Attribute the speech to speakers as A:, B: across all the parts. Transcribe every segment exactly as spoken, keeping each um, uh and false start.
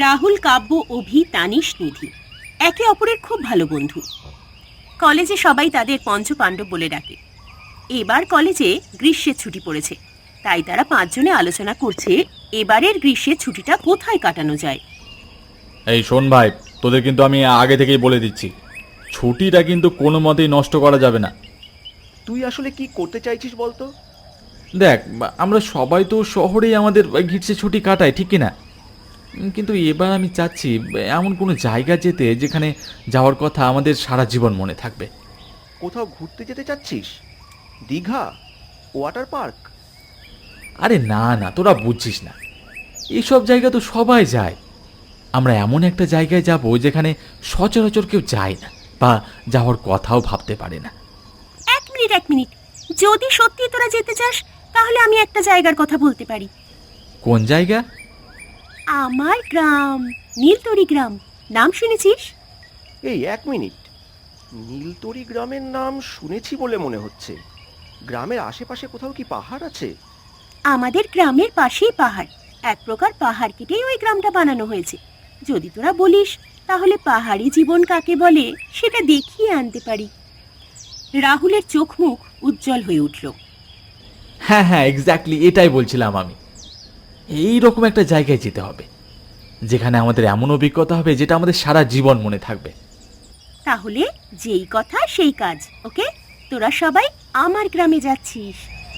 A: রাহুল, কাব্য, অভি, তানিশ, নিধি একে অপরের খুব ভালো বন্ধু। কলেজে সবাই তাদের পঞ্চপাণ্ডব বলে ডাকে। এবার কলেজে গ্রীষ্মের ছুটি পড়েছে, তাই তারা পাঁচজনে আলোচনা করছে এবারের গ্রীষ্মের ছুটিটা কোথায় কাটানো যায়।
B: এই শোন ভাই, তোদের কিন্তু আমি আগে থেকেই বলে দিচ্ছি, ছুটিটা কিন্তু কোনো মতেই নষ্ট করা যাবে না।
C: তুই আসলে কি করতে চাইছিস বলতো?
B: দেখ, আমরা সবাই তো শহরেই আমাদের গ্রীষ্মের ছুটি কাটাই, ঠিক কিনা? উম, কিন্তু এবার আমি চাচ্ছি এমন কোনো জায়গা যেতে যেখানে যাওয়ার কথা আমাদের সারা জীবন মনে থাকবে।
C: কোথাও ঘুরতে যেতে চাচ্ছিস? Digha, water park?
B: আরে না না, তোরা বুঝছিস না, এইসব জায়গা তো সবাই যায়। আমরা এমন একটা জায়গায় যাব যেখানে সচরাচর কেউ যায় না বা যাওয়ার কথাও ভাবতে পারে না।
A: এক মিনিট এক মিনিট যদি সত্যি তোরা যেতে চাস তাহলে আমি একটা জায়গার কথা বলতে পারি।
B: কোন জায়গা?
A: আমার গ্রাম, নীলতরি গ্রাম। নাম শুনেছিস?
C: এই এক মিনিট, নীলতরি গ্রামের নাম শুনেছি বলে মনে হচ্ছে। গ্রামের আশেপাশে কোথাও কি পাহাড় আছে?
A: আমাদের গ্রামের পাশেই পাহাড়, এক প্রকার পাহাড় কেটেই ওই গ্রামটা বানানো হয়েছে। যদি তোরা বলিস তাহলে পাহাড়ি জীবন কাকে বলে সেটা দেখিয়ে আনতে পারি। রাহুলের চোখ মুখ উজ্জ্বল হয়ে উঠল।
B: হ্যাঁ হ্যাঁ, এক্স্যাক্টলি এটাই বলছিলাম আমি। এই রকম একটা জায়গায় যেতে হবে যেখানে আমাদের এমন অভিজ্ঞতা হবে যেটা আমাদের সারা জীবন মনে থাকবে।
A: তাহলে যেই কথা সেই কাজ, ওকে? তোরা সবাই আমার গ্রামে যাচ্ছিস।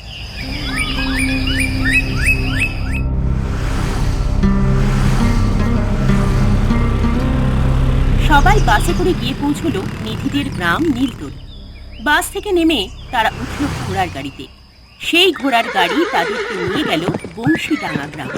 A: সবাই বাসে করে গিয়ে পৌঁছলো নিধিদের গ্রাম নীলতরি। বাস থেকে নেমে তারা উঠল ঘোড়ার গাড়িতে। সেই ঘোড়ার গাড়ি তাদেরকে নিয়ে গেল বংশীডাঙ্গা গ্রামে।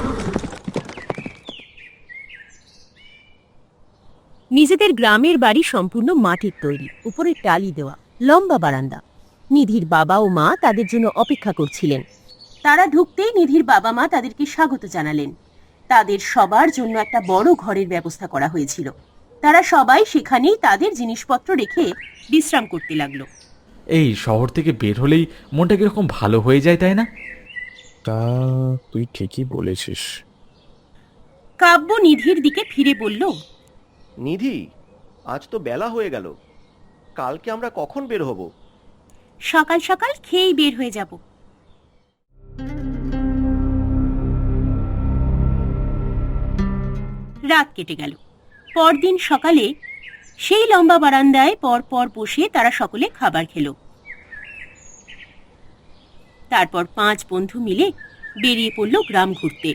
A: নিজেদের গ্রামের বাড়ি সম্পূর্ণ মাটির তৈরি, উপরে টালি দেওয়া, লম্বা বারান্দা। নিধির বাবা ও মা তাদের জন্য অপেক্ষা করছিলেন। তারা ঢুকতেই নিধির বাবা মা তাদেরকে স্বাগত জানালেন। তাদের সবার জন্য একটা বড় ঘরের ব্যবস্থা করা হয়েছিল। তারা সবাই সেখানেই তাদের জিনিসপত্র রেখে বিশ্রাম করতে লাগলো।
B: এই শহর থেকে বের হলেই মনটা কিরকম ভালো হয়ে যায়, তাই না?
D: তা তুই ঠিকই বলেছিস।
A: কাব্য নিধির দিকে ফিরে বলল,
C: নিধি, আজ তো বেলা হয়ে গেল। কালকে আমরা কখন বের হব?
A: সকাল সকাল খেয়েই বের হয়ে যাব। রাত কেটে গেল। পরদিন সকালে সেই লম্বা বারান্দায় পর পর বসে তারা সকলে খাবার খেল। তারপর পাঁচ বন্ধু মিলে বেরিয়ে পড়ল গ্রাম ঘুরতে।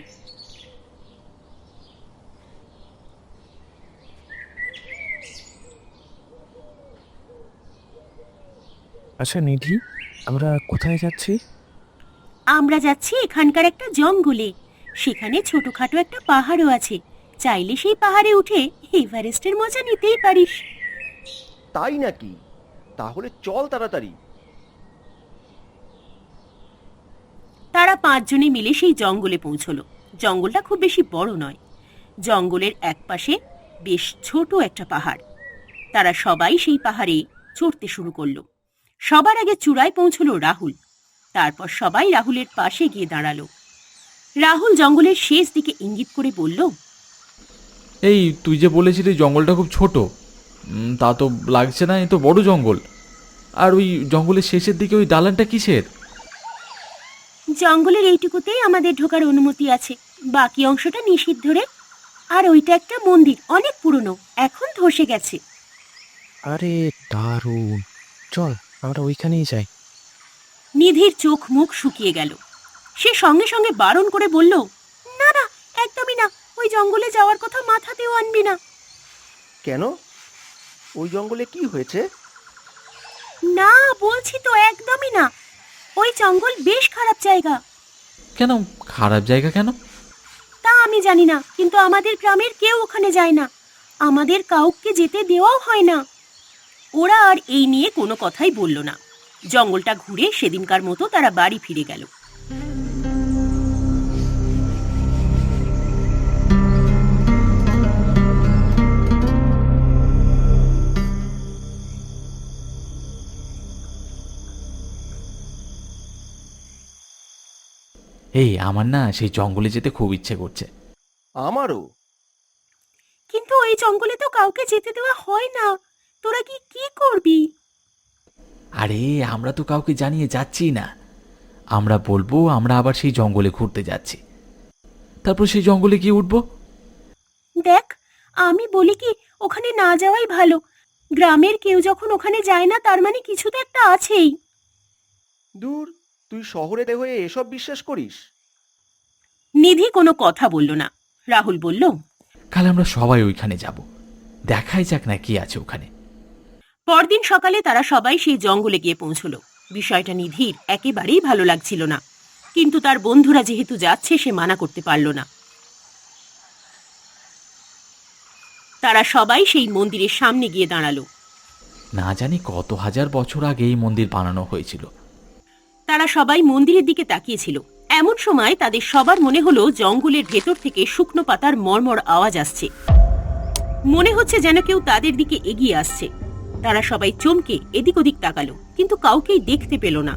D: আচ্ছা নিধি, আমরা কোথায় যাচ্ছি?
A: আমরা যাচ্ছি এখানকার একটা জঙ্গলে। সেখানে ছোটখাটো একটা পাহাড়ও আছে। চাইলে সেই পাহাড়ে উঠে এভারেস্টের মজা নিতেই পারিস।
C: তাই নাকি? তাহলে চল তাড়াতাড়ি।
A: তারা পাঁচজনে মিলে সেই জঙ্গলে পৌঁছলো। জঙ্গলটা খুব বেশি বড় নয়। জঙ্গলের একপাশে বেশ ছোট একটা পাহাড়। তারা সবাই সেই পাহাড়ে চড়তে শুরু করলো। সবার আগে চূড়ায় পৌঁছলো রাহুল। তারপর সবাই রাহুলের পাশে গিয়ে দাঁড়ালো। রাহুল জঙ্গলের শেষ দিকে ইঙ্গিত করে বলল,
B: এই তুই যে বলেছিলি জঙ্গলটা খুব ছোট, উম, তা তো লাগছে না, এ তো বড় জঙ্গল। আর ওই জঙ্গলের শেষের দিকে ওই দালানটা কিসের?
A: জঙ্গলের এইটুকুতেই আমাদের ঢোকার অনুমতি আছে, বাকি অংশটা নিষিদ্ধ রে। আর ওইটা একটা মন্দির, অনেক পুরনো, এখন ধসে গেছে।
D: আরে দারুণ, চল আমরা ওইখানেই যাই।
A: নিধির চোখ মুখ শুকিয়ে গেল। সে সঙ্গে সঙ্গে বারণ করে বলল, না না, একদমই না, ওই জঙ্গলে যাওয়ার কথা মাথাতেও আনবি না।
C: কেন? ওই জঙ্গলে কি হয়েছে?
A: না বলছি তো, একদমই না। ওই জঙ্গল বেশ খারাপ জায়গা।
B: কেন খারাপ জায়গা কেন?
A: তা আমি জানি না, কিন্তু আমাদের গ্রামের কেউ ওখানে যায় না। আমাদের কাউকে যেতে দেওয়াও হয় না। ওরা আর এই নিয়ে কোনো কথাই বলল না। জঙ্গলটা ঘুরে সেদিনকার মতো তারা বাড়ি ফিরে গেল।
B: এই আমার না সেই জঙ্গলে যেতে খুব ইচ্ছে করছে।
C: আমারও।
A: এই জঙ্গলে তো কাউকে যেতে দেওয়া হয় না, তোরা কি কি করবি?
B: আরে আমরা তো কাউকে জানিয়ে যাচ্ছি না, আমরা বলবো আমরা আবার সেই জঙ্গলে ঘুরতে যাচ্ছি, তারপর সেই জঙ্গলে গিয়ে উঠবো।
A: দেখ, আমি বলি কি ওখানে না যাওয়াই ভালো। গ্রামের কেউ যখন ওখানে যায় না, তার মানে কিছু তো একটা আছেই।
C: দূর, তুই শহরে হয়ে এসব বিশ্বাস করিস?
A: নিধি কোনো কথা বলল না। রাহুল বলল,
B: কাল আমরা সবাই ওইখানে যাব, দেখাই যাক না কি আছে ওখানে।
A: পরদিন সকালে তারা সবাই সেই জঙ্গলে গিয়ে পৌঁছল। বিষয়টা নিধির একেবারেই ভালো লাগছিল না, কিন্তু তার বন্ধুরা যেহেতু যাচ্ছে সে মানা করতে পারল না। তারা সবাই সেই মন্দিরের সামনে গিয়ে দাঁড়ালো।
B: না জানি কত হাজার বছর আগে এই মন্দির বানানো হয়েছিল।
A: তারা সবাই মন্দিরের দিকে তাকিয়েছিল। এমন সময় তাদের সবার মনে হলো জঙ্গলের ভেতর থেকে শুকনো পাতার মর্মর আওয়াজ আসছে। মনে হচ্ছে যেন কেউ তাদের দিকে এগিয়ে আসছে। তারা সবাই চমকে এদিক ওদিক তাকালো, কিন্তু কাউকেই দেখতে পেল না।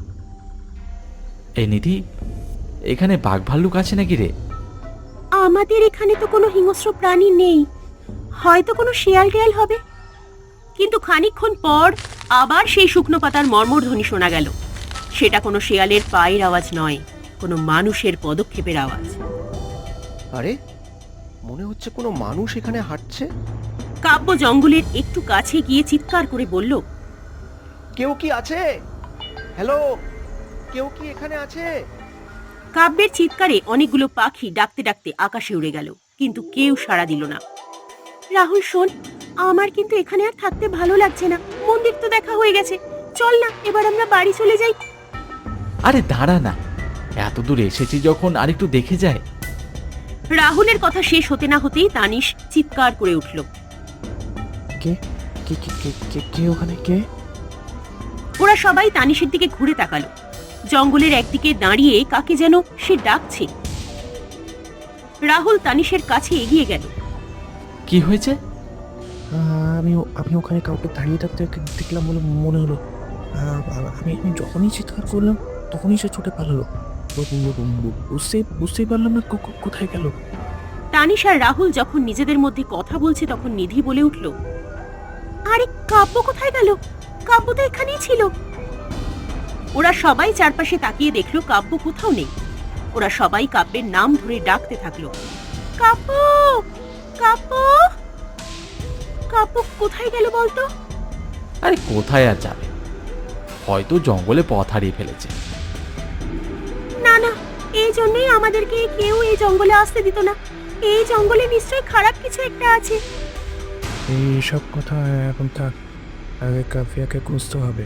B: এই নিধি, এখানে বাঘ ভাল্লুক আছে নাকি রে?
A: আমাদের এখানে তো কোনো হিংস্র প্রাণী নেই, হয়তো কোনো শিয়াল টিয়াল হবে। কিন্তু খানিকক্ষণ পর আবার সেই শুকনো পাতার মর্মর ধ্বনি শোনা গেল। সেটা কোনো শিয়ালের পায়ের আওয়াজ নয়, কোনো মানুষের পদক্ষেপের আওয়াজ।
C: আরে, মনে হচ্ছে কোনো মানুষ এখানে হাঁটছে।
A: কাব্য জঙ্গলের একটু কাছে গিয়ে চিৎকার করে বলল,
C: কেউ কি আছে? হ্যালো, কেউ কি এখানে আছে?
A: কাব্যের চিৎকারে অনেকগুলো পাখি ডাকতে ডাকতে আকাশে উড়ে গেল, কিন্তু কেউ সাড়া দিল না। রাহুল শোন, আমার কিন্তু এখানে আর থাকতে ভালো লাগছে না। মন্দির তো দেখা হয়ে গেছে, চল না এবার আমরা বাড়ি চলে যাই।
B: আরে দাঁড়া না, এত দূর এসেছি যখন আরেকটু দেখে যায়।
A: রাহুলের কথা শেষ হতে না হতেই তানিশ চিৎকার করে উঠল।
D: কে কে কে কে- কে কে ওখানে কে?
A: ওরা সবাই তানিশের দিকে ঘুরে তাকালো। জঙ্গলের একদিকে দাঁড়িয়ে কাকে যেন সে ডাকছে। রাহুল তানিশের কাছে এগিয়ে গেল।
B: কি হয়েছে?
D: আহ, আমি ও- আমি ওখানে কাউকে দাঁড়িয়ে থাকতে দেখ- দেখলাম বলে মনে হলো। আহ, আমি আমি যখনই চিৎকার করলাম তখনই সে ছুটে পালালো। বু- বু- বু- বু- বুঝতে বুঝতেই পারলাম না কো- কো- কোথায় গেল।
A: তানিশ আর রাহুল যখন নিজেদের মধ্যে কথা বলছে তখন নিধি বলে উঠল, আরে কাব্য কোথায় গেল? কাব্য তো এখানেই ছিল। ওরা সবাই চারপাশে তাকিয়ে দেখলো কাব্য কোথাও নেই। ওরা সবাই কাব্যের নাম ধরে ডাকতে থাকলো, কাব্য, কাব্য, কাব্য কোথায় গেল বলতো?
B: আরে কোথায় আর যাবে, হয়তো জঙ্গলে পথ হারিয়ে ফেলেছে।
A: না না, এই জন্যই আমাদেরকে কেউ এই জঙ্গলে আসতে দিত না। এই জঙ্গলে নিশ্চয়ই খারাপ কিছু একটা আছে।
D: এইসব কথা এখন থাক, আগে কাফিয়াকে খুঁজতে হবে।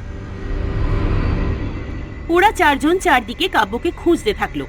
A: ওরা চারজন চারদিকে কাব্যকে খুঁজতে থাকলো।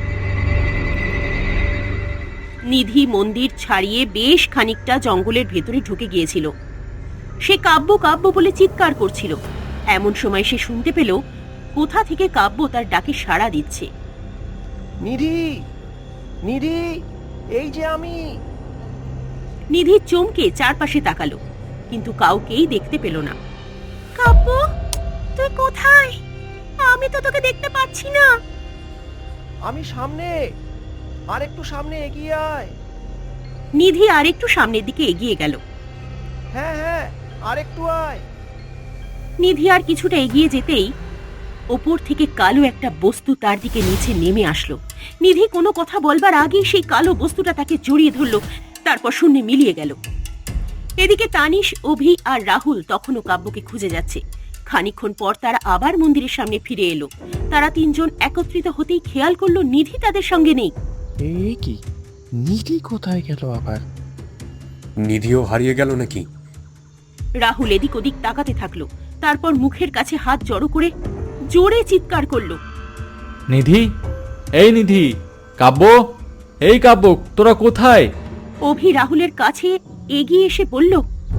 A: নিধি মন্দির ছাড়িয়ে বেশ খানিকটা জঙ্গলের ভেতরে ঢুকে গিয়েছিল। সে কাব্য কাব্য বলে চিৎকার করছিল। এমন সময় সে শুনতে পেল কোথা থেকে কাব্য তার ডাকে সাড়া দিচ্ছে।
C: নিধি, নিধি, এই যে আমি।
A: নিধি চমকে চারপাশে তাকালো, কিন্তু কাউকেই দেখতে পেল না। কাব্য, তুই কোথায়? আমি তো তোকে দেখতে পাচ্ছি না।
C: আমি সামনে, আর একটু সামনে এগিয়ে আয়।
A: নিধি আর একটু সামনের দিকে এগিয়ে গেল।
C: হ্যাঁ হ্যাঁ, আর একটু আয়।
A: নিধি আর কিছুটা এগিয়ে যেতেই ওপর থেকে কালো একটা বস্তু তার দিকে নিচে নেমে আসলো। নিধি কোনো কথা বলবার আগেই সেই কালো বস্তুটা তাকে জড়িয়ে ধরলো, তারপর শূন্যে মিলিয়ে গেল। এদিকে তানিশ, অভি আর রাহুল তখনও কাব্যকে খুঁজে যাচ্ছে। খানিকক্ষণ পর তারা আবার মন্দিরের সামনে ফিরে এলো। তারা তিনজন একত্রিত হতেই খেয়াল করলো নিধি তাদের সঙ্গে নেই।
D: এই কি, নিধি কোথায় গেল আবার?
E: নিধিও হারিয়ে গেল নাকি?
A: রাহুল এদিক ওদিক তাকাতে থাকলো, তারপর মুখের কাছে হাত জড়ো করে জোরে চিৎকার করলো,
B: নিধি, এই নিধি, কাব্য, এই কাব্য, তোরা কোথায়?
A: অভি রাহুলের কাছে এগিয়ে এসে বলল,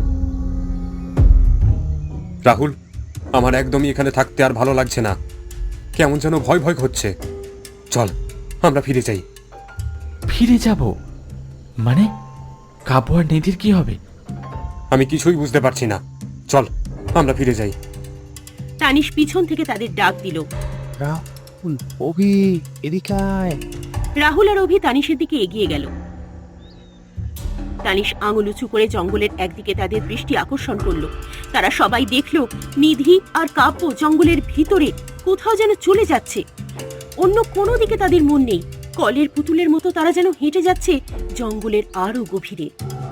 E: রাহুল, আমার একদমই এখানে থাকতে আর ভালো লাগছে না। কেমন যেন ভয় ভয় হচ্ছে। চল, আমরা ফিরে যাই।
B: ফিরে যাব মানে? কাব্য আর নিধির কি হবে?
E: আমি কিছুই বুঝতে পারছি না। চল, আমরা ফিরে যাই।
A: তানিশ পিছন থেকে তাদের ডাক দিল।
D: রাহুল, অভি, এদিকে আয়।
A: রাহুল আর অভি তানিশের দিকে এগিয়ে গেল। তানিশ আঙুল উঁচু করে জঙ্গলের একদিকে তাদের দৃষ্টি আকর্ষণ করলো। তারা সবাই দেখল নিধি আর কাব্য জঙ্গলের ভিতরে কোথাও যেন চলে যাচ্ছে। অন্য কোনো দিকে তাদের মন নেই। কলের পুতুলের মতো তারা যেন হেঁটে যাচ্ছে জঙ্গলের আরো গভীরে।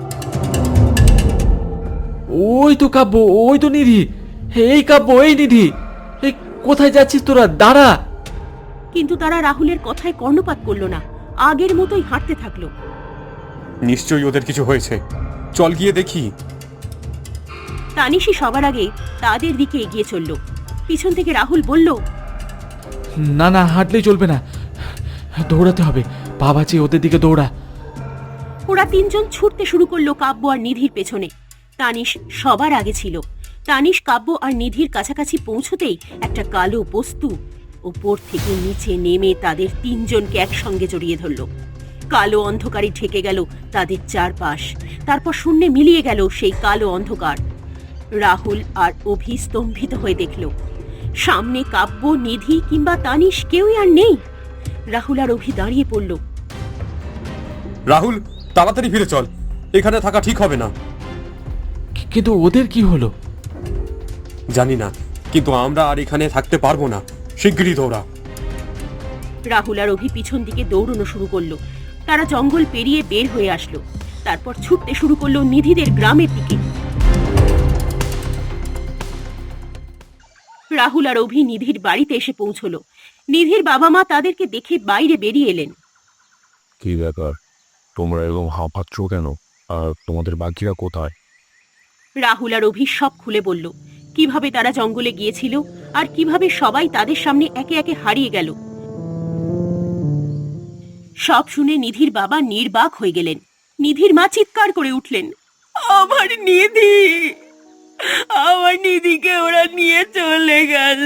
B: ওই তো কাব্য, ওই তো নিধি। এই কাব্য, এই নিধি, এই কোথায় যাচ্ছিস তোরা? দাঁড়া।
A: কিন্তু তারা রাহুলের কথায় কর্ণপাত করলো না, আগের মতোই হাঁটতে থাকলো।
E: নিশ্চয়ই ওদের কিছু হয়েছে, চল গিয়ে দেখি।
A: তানিশই সবার আগে তাদের দিকে এগিয়ে চলল। পিছন থেকে রাহুল বলল,
B: না না, হাঁটলেই চলবে না, দৌড়াতে হবে। পা বাঁচিয়ে ওদের দিকে দৌড়া।
A: ওরা তিনজন ছুটতে শুরু করলো কাব্য আর নিধির পেছনে। তানিশ সবার আগে ছিল। তানিশ কাব্য আর নিধির কাছাকাছি পৌঁছতেই একটা কালো বস্তু উপর থেকে নিচে নেমে তাদের তিনজনকে একসঙ্গে জড়িয়ে ধরল। কালো অন্ধকারে ঢেকে গেল তাদের চারপাশ। তারপর শূন্যে মিলিয়ে গেল সেই কালো অন্ধকার। রাহুল আর অভি স্তম্ভিত হয়ে দেখল সামনে কাব্য, নিধি কিংবা তানিশ কেউই আর নেই। রাহুল আর অভি দাঁড়িয়ে পড়ল।
E: রাহুল, তাড়াতাড়ি ফিরে চল, এখানে থাকা ঠিক হবে না।
B: কিন্তু ওদের কি হলো?
E: জানি না, কিন্তু আমরা আর এখানে থাকতে পারবো না। শিগগিরই দৌড়া।
A: রাহুল আর অভি পিছন দিকে দৌড়ানো শুরু করলো। তারা জঙ্গল পেরিয়ে বের হয়ে আসলো। তারপর ছুটতে শুরু করলো নিধিদের গ্রামের দিকে। রাহুল আর অভি নিধির বাড়িতে এসে পৌঁছলো। নিধির বাবা মা তাদেরকে দেখে বাইরে বেরিয়ে এলেন।
D: কি ব্যাপার, তোমরা এরকম হাঁপাচ্ছ কেন? আর তোমাদের বাকিরা কোথায়?
A: রাহুল আর অভি সব খুলে বলল, কিভাবে তারা জঙ্গলে গিয়েছিল আর কিভাবে সবাই তাদের সামনে একে একে হারিয়ে গেল। সব শুনে নিধির বাবা নির্বাক হয়ে গেলেন। নিধির মা চিৎকার করে উঠলেন, আমার নিধি, আমার নিধিকে ওরা নিয়ে চলে গেল।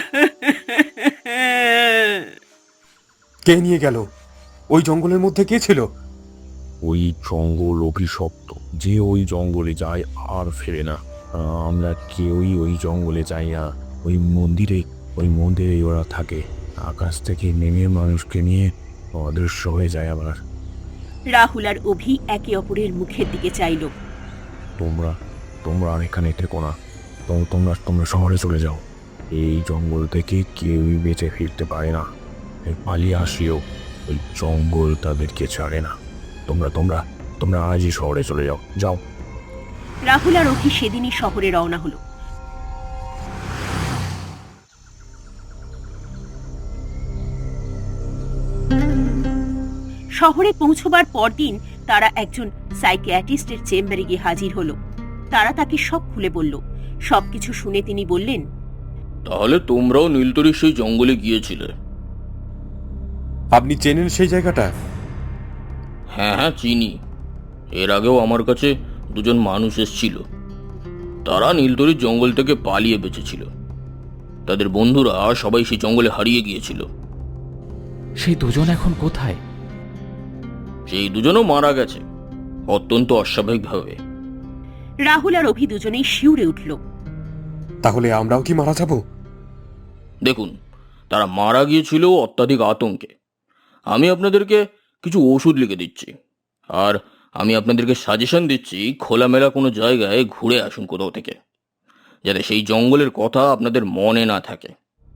E: কে নিয়ে গেল? ওই জঙ্গলের মধ্যে কে ছিল?
D: ওই জঙ্গল অভিশপ্ত, যে ওই জঙ্গলে যায় আর ফেরে না। আমরা কেউই ওই জঙ্গলে যাই না। ওই মন্দিরে ওই মন্দিরে ওরা থাকে। আকাশ থেকে নেমে মানুষকে নিয়ে অদৃশ্য হয়ে যায় আবার।
A: রাহুল আর অভি একে অপরের মুখের দিকে চাইল।
D: তোমরা তোমরা আর এখানে থেকো না, তো- তোমরা তোমরা শহরে চলে যাও। এই জঙ্গল থেকে কেউই বেঁচে ফিরতে পারে না। এই পালিয়ে আসলেও ওই জঙ্গল তাদেরকে ছাড়ে না। তোমরা তোমরা তোমরা আজই শহরে চলে যাও, যাও।
A: রাহুল আর অভি সেদিনই শহরে রওনা হলো। শহরে পৌঁছবার পরদিন তারা একজন সাইকিয়াট্রিস্টের চেম্বারে গিয়ে হাজির হলো। তারা তাকে সব খুলে বলল। সবকিছু শুনে তিনি বললেন,
F: তাহলে তোমরাও নীলতরীর সেই জঙ্গলে গিয়েছিলে?
E: আপনি চেনেন সেই জায়গাটা?
F: হ্যাঁ হ্যাঁ, চিনি। এর আগেও আমার কাছে দুজন মানুষ এসেছিল। তারা নীলতরীর জঙ্গল থেকে পালিয়ে বেঁচেছিল। তাদের বন্ধুরা সবাই সেই জঙ্গলে হারিয়ে গিয়েছিল।
B: সেই দুজন এখন কোথায়?
F: সেই দুজনও মারা গেছে, অত্যন্ত অস্বাভাবিকভাবে।
A: রাহুল আর অভি দুজনেই শিউরে উঠল।
E: তাহলে আমরাও কি মারা যাব?
F: দেখুন, তারা মারা গিয়েছিল অত্যাধিক আতঙ্কে। আমি আপনাদেরকে কিছু ওষুধ লিখে দিচ্ছি, আর আমি আপনাদেরকে সাজেশন দিচ্ছি খোলামেলা কোনো জায়গায় ঘুরে আসুন কোথাও থেকে, যাতে সেই জঙ্গলের কথা আপনাদের মনে না থাকে।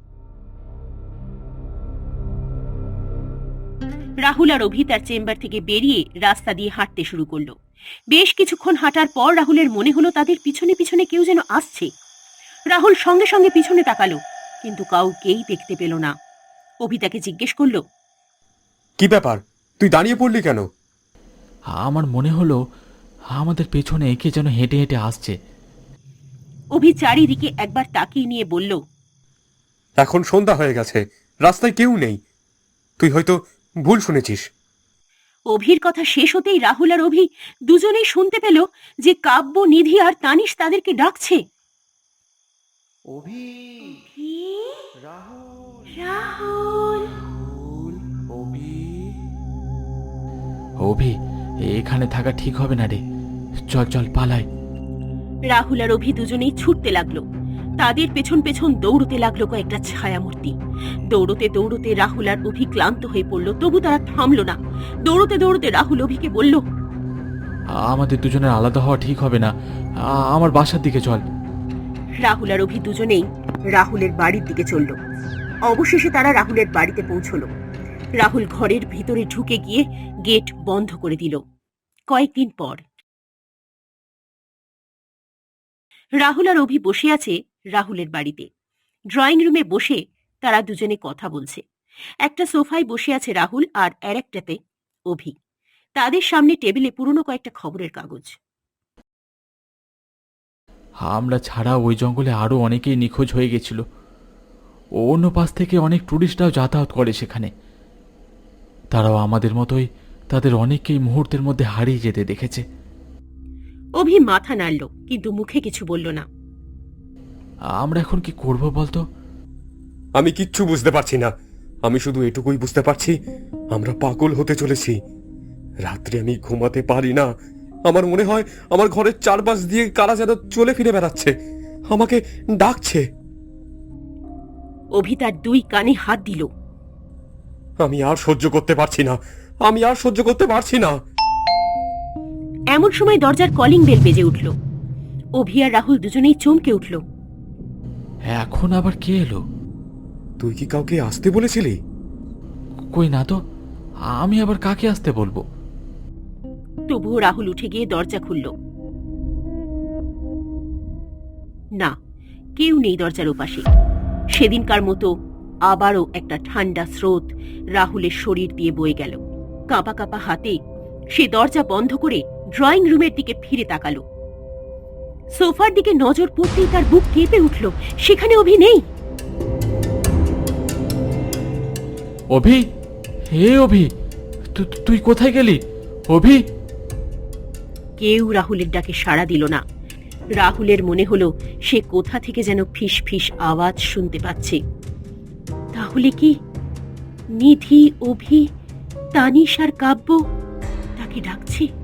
A: রাহুল আর অভি তার চেম্বার থেকে বেরিয়ে রাস্তা দিয়ে হাঁটতে শুরু করলো। বেশ কিছুক্ষণ হাঁটার পর রাহুলের মনে হলো তাদের পিছনে পিছনে কেউ যেন আসছে। রাহুল সঙ্গে সঙ্গে পিছনে তাকালো, কিন্তু কাউকেই দেখতে পেল না। অভি তাকে জিজ্ঞেস করলো,
E: কি ব্যাপার, তুই দাঁড়িয়ে পড়লি কেন?
B: আমার মনে হলো আমাদের পেছনে কে যেন হেঁটে হেঁটে আসছে।
A: অভি চারিদিকে একবার তাকিয়ে নিয়ে বলল,
E: এখন সন্ধ্যা হয়ে গেছে, রাস্তায় কেউ নেই। তুই হয়তো ভুল শুনেছিস।
A: অভির কথা শেষ হতেই রাহুল আর অভি দুজনেই শুনতে পেল যে কাব্য, নিধি আর তানিশ তাদেরকে ডাকছে।
C: অভি, রাহুল,
A: রাহুল,
C: অভি।
B: অভি, এখানে থাকা ঠিক হবে না রে, চল চল পালাই।
A: রাহুল আর অভি দুজনেই ছুটতে লাগলো। তাদের পেছন পেছন দৌড়তে লাগলো কয়েকটা ছায়ামূর্তি। দৌড়তে দৌড়তে রাহুল আর অভি ক্লান্ত হয়ে পড়লো, তবু তারা থামলো না। দৌড়তে দৌড়তে রাহুল অভিকে বলল,
B: আমাদের দুজনের আলাদা হওয়া ঠিক হবে না। আ- আমার বাসার দিকে চল।
A: রাহুল আর অভি দুজনেই রাহুলের বাড়ির দিকে চলল। অবশেষে তারা রাহুলের বাড়িতে পৌঁছল। রাহুল ঘরের ভিতরে ঢুকে গিয়ে গেট বন্ধ করে দিল। কয়েকদিন পর রাহুল আর অভি বসে আছে রাহুলের বাড়িতে। ড্রয়িং রুমে বসে তারা দুজনে কথা বলছে। একটা সোফায় বসে আছে রাহুল আর আর একটাতে অভি। তাদের সামনে টেবিলে পুরনো কয়েকটা খবরের কাগজ।
B: আমরা ছাড়া ওই জঙ্গলে আরো অনেকেই নিখোঁজ হয়ে গেছিল। অন্য পাশ থেকে অনেক টুরিস্টরাও যাতায়াত করে সেখানে। তারাও আমাদের মতোই তাদের অনেককেই মুহূর্তের মধ্যে হারিয়ে যেতে দেখেছে।
A: অভি মাথা নাড়ল, কিন্তু মুখে কিছু বলল না।
B: আমরা এখন কি করব বলতো?
E: আমি কিচ্ছু বুঝতে পারছি না। আমি শুধু এটুকুই বুঝতে পারছি, আমরা পাগল হতে চলেছি। রাত্রে আমি ঘুমাতে পারি না। আমার মনে হয় আমার ঘরের চারপাশ দিয়ে কারা যেন চলে ফিরে বেড়াচ্ছে, আমাকে ডাকছে।
A: অভি তার দুই কানে হাত দিল।
E: আমি আর সহ্য করতে পারছি না, আমি আর সহ্য করতে পারছি না।
A: এমন সময় দরজার কলিং বেল বেজে উঠল। অভি আর রাহুল দুজনেই চমকে উঠল।
B: এখন আবার কে এলো?
E: তুই কি কাউকে আসতে বলেছিলি?
B: কই না তো, আমি আবার কাকে আসতে বলবো?
A: তবুও রাহুল উঠে গিয়ে দরজা খুলল। না, কেউ নেই দরজার ওপাশে। সেদিনকার মতো আবারও একটা ঠান্ডা স্রোত রাহুলের শরীর দিয়ে বয়ে গেল। কাঁপা কাঁপা হাতে সে দরজা বন্ধ করে ড্রয়িং রুমের দিকে ফিরে তাকালো। সোফার দিকে নজর পড়তেই তার বুক কেঁপে উঠল। সেখানে অভি নেই।
B: অভি, হে অভি, তু- তুই কোথায় গেলি অভি?
A: কেউ রাহুলের ডাকে সাড়া দিল না। রাহুলের মনে হলো সে কোথা থেকে যেন ফিস ফিস আওয়াজ শুনতে পাচ্ছে। তাহলে কি নিধি, অভি, তানিশ আর কাব্য তাকে ডাকছে?